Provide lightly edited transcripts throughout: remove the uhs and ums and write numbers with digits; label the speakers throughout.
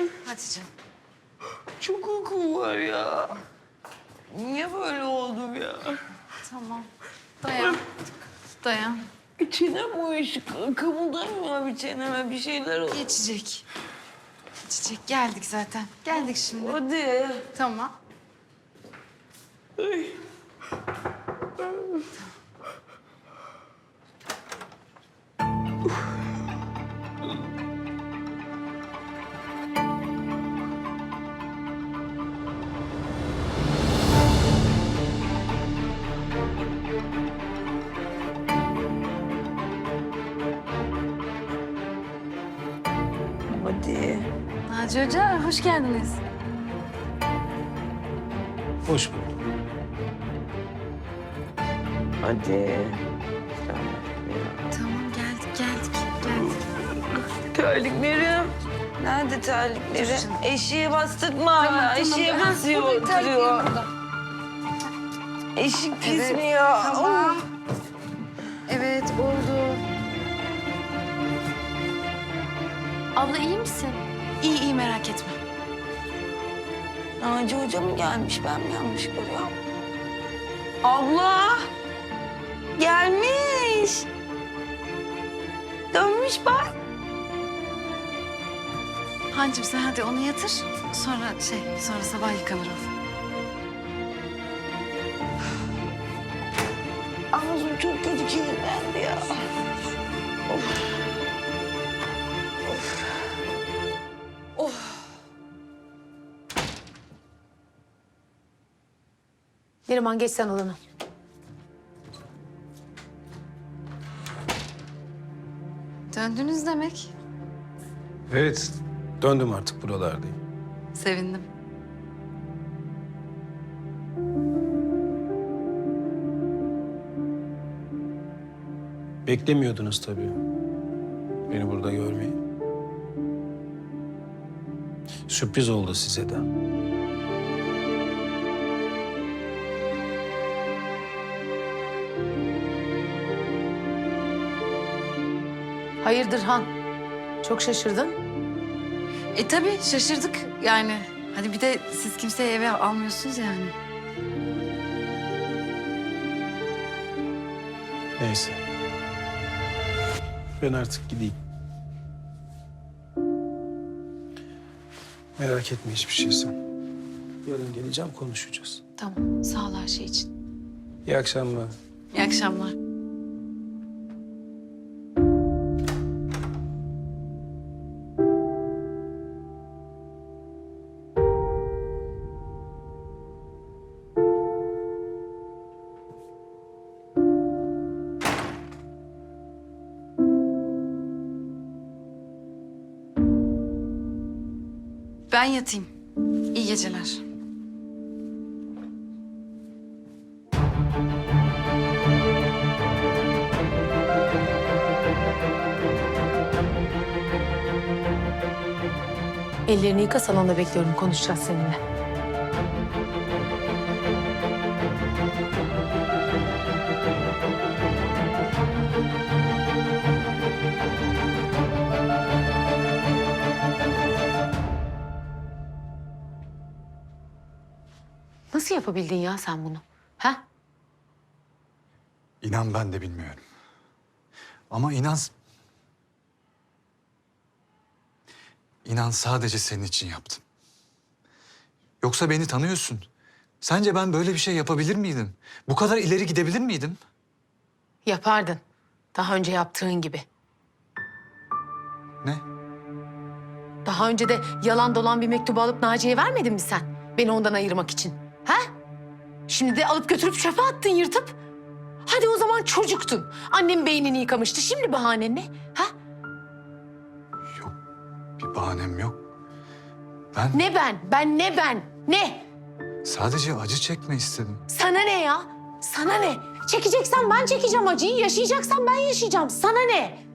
Speaker 1: Hadi canım.
Speaker 2: Çok uykum var ya. Niye böyle oldum ya?
Speaker 1: Tamam. Dayan. Dayan.
Speaker 2: Çenem uyuşuk. Kımıldamıyor bir çeneme. Bir şeyler oldu.
Speaker 1: Geçecek. Geçecek. Geldik zaten. Geldik şimdi.
Speaker 2: Hadi.
Speaker 1: Tamam.
Speaker 2: Ay. Hadi.
Speaker 1: Naci Hoca, hoş geldiniz.
Speaker 3: Hoş bulduk.
Speaker 2: Hadi.
Speaker 1: Tamam, geldik.
Speaker 2: Terliklerim. Nerede terliklerim?
Speaker 1: Dur canım.
Speaker 2: Eşiğe bastırma. Eşiğe basıyor, oturuyor. Eşik pis
Speaker 1: Evet,
Speaker 2: mi ya?
Speaker 1: tamam. Evet, oldu. Abla iyi misin? İyi, merak etme.
Speaker 2: Naci Hoca mı gelmiş? Ben mi yanlış görüyorum? Abla! Gelmiş. Dönmüş bak.
Speaker 1: Hancım sen hadi onu yatır. Sonra sabah yıkanır o.
Speaker 2: Ağzım çok kötü kirlendi ya. Of.
Speaker 4: Neriman geç sen alana.
Speaker 1: Döndünüz demek.
Speaker 3: Evet, döndüm artık buralardayım.
Speaker 1: Sevindim.
Speaker 3: Beklemiyordunuz tabii beni burada görmeyi. Sürpriz oldu size de.
Speaker 4: Hayırdır Han? Çok şaşırdın.
Speaker 1: Tabii şaşırdık yani. Hadi bir de siz kimseyi eve almıyorsunuz yani.
Speaker 3: Neyse. Ben artık gideyim. Merak etme hiçbir şey sen. Yarın geleceğim, konuşacağız.
Speaker 1: Tamam, sağ ol her şey için.
Speaker 3: İyi akşamlar.
Speaker 1: İyi akşamlar. Ben yatayım. İyi geceler.
Speaker 4: Ellerini yıka, salonda bekliyorum. Konuşacağız seninle. Nasıl yapabildin ya sen bunu? Ha?
Speaker 5: İnan ben de bilmiyorum. Ama inan... İnan sadece senin için yaptım. Yoksa beni tanıyorsun. Sence ben böyle bir şey yapabilir miydim? Bu kadar ileri gidebilir miydim?
Speaker 4: Yapardın. Daha önce yaptığın gibi.
Speaker 5: Ne?
Speaker 4: Daha önce de yalan dolan bir mektubu alıp Naciye'ye vermedin mi sen? Beni ondan ayırmak için. Ha? Şimdi de alıp götürüp çöpe attın yırtıp. Hadi o zaman çocuktun. Annem beynini yıkamıştı. Şimdi bahanen ne? Ha?
Speaker 5: Yok, bir bahanem yok. Ben
Speaker 4: Ne ben? Ne ben? Ne?
Speaker 5: sadece acı çekme istedim.
Speaker 4: Sana ne ya? Sana ne? Çekeceksen ben çekeceğim acıyı. Yaşayacaksan ben yaşayacağım. Sana ne?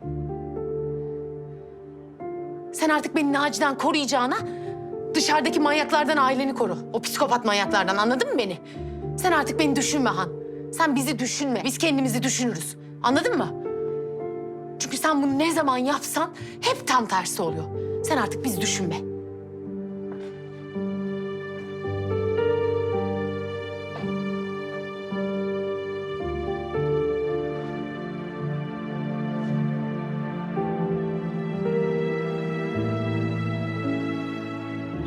Speaker 4: Sen artık beni Naci'den koruyacağına dışarıdaki manyaklardan aileni koru. O psikopat manyaklardan, anladın mı beni? Sen artık beni düşünme Han. Sen bizi düşünme. Biz kendimizi düşünürüz. Anladın mı? Çünkü sen bunu ne zaman yapsan hep tam tersi oluyor. Sen artık bizi düşünme.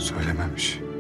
Speaker 5: Söylememiş.